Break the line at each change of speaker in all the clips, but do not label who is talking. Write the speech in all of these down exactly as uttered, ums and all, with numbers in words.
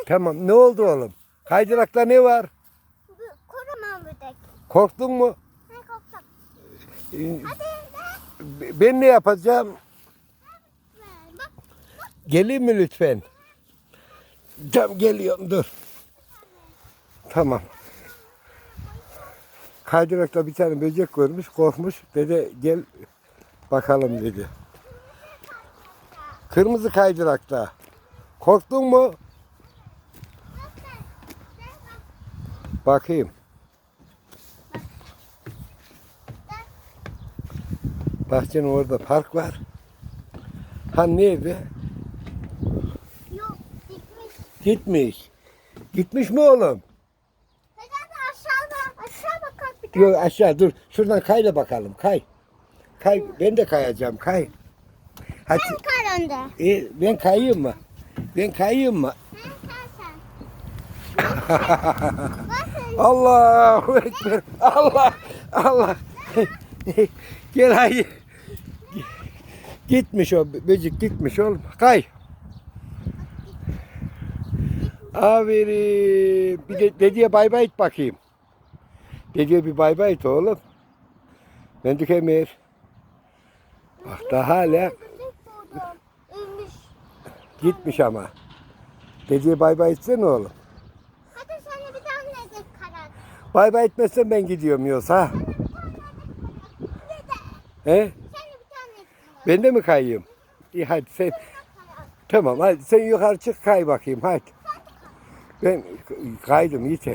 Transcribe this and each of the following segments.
Tamam. Ne oldu oğlum? Kaydırakta ne var?
Kocaman böcek.
Korktun mu?
Ne korktum.
Ee,
Hadi
Ben ne yapacağım?
ne? Bak
Geleyim mi lütfen? Tamam geliyorum dur. Tamam. Kaydırakta bir tane böcek görmüş, korkmuş. Dede gel bakalım dedi. Kırmızı kaydırakta. Korktun mu? Bakayım. Bahçenin orada park var. Ha nerede?
yok gitmiş.
Gitmiş. Gitmiş mi oğlum?
Hadi aşağıda. Aşağı bakalım bir tane.
Yok aşağı dur. Şuradan kay da bakalım. Kay. Kay. Ben de kayacağım. Kay. Hadi.
Sen kar önde.
E, ben kayayım mı? Ben kayayım mı?
Sen kar sen. Bakın.
Allahu Ekber. Allah. Allah. Gel haydi. Gitmiş o böcek gitmiş oğlum. Kay. Aferin. Bir de dedeye bay bay et bakayım. Dedeye bir bay bay et oğlum. Mendük Emir. Bak da hala
Böcek doğdu. Ölmüş.
gitmiş ama. Dedeye bay bay etsene oğlum.
Hadi sana bir tane de karar.
Bay bay etmezsen ben gidiyorum yoksa.
Sana bir tane de karar.
He?
Sana bir tane de karar.
Ben de mi kayayım? İyi hadi sen.
Karar.
Tamam hadi sen yukarı çık kay bakayım hadi. Ben kaydım yeter.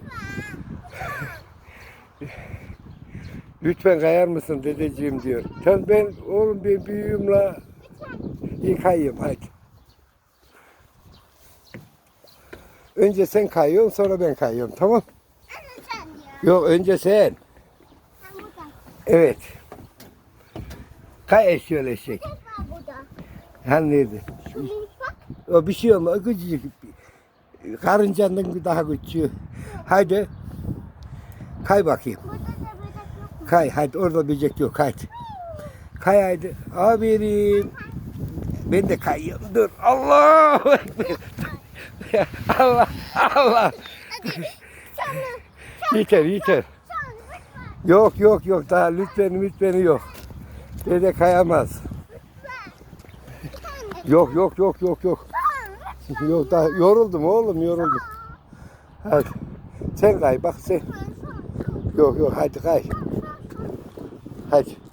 Lütfen kayar mısın dedeciğim diyor. Tamam ben oğlum ben büyüğüm la. İyi kayayım hadi. Önce sen kayıyorsun sonra ben kayıyorum tamam?
Anne sen diyor.
Yok önce sen.
Sen burada.
Evet. Kay eşyol eşek.
Tek var burada.
Hani nerede?
Şu minik bak.
O bir şey olmaz. Küçücük. Karıncanın daha küçüğü. Haydi. Kay bakayım.
Burada da böcek yok mu?
Kay hadi orada böcek yok hadi. Kay hadi. Aferin. Ben de kayıyorum. Dur. Allahu Ekber. Allah Allah.
Sana.
Yeter yeter.
Sana lütfen.
Yok yok yok daha lütfen lütfen yok. Dede kayamaz.
Bir tane de.
Yok yok yok yok yok.
Sana lütfen.
Yok daha yoruldum oğlum yoruldum. Hadi. Sen kay bak sen.
Sana.
Yok yok hadi kay. Hadi.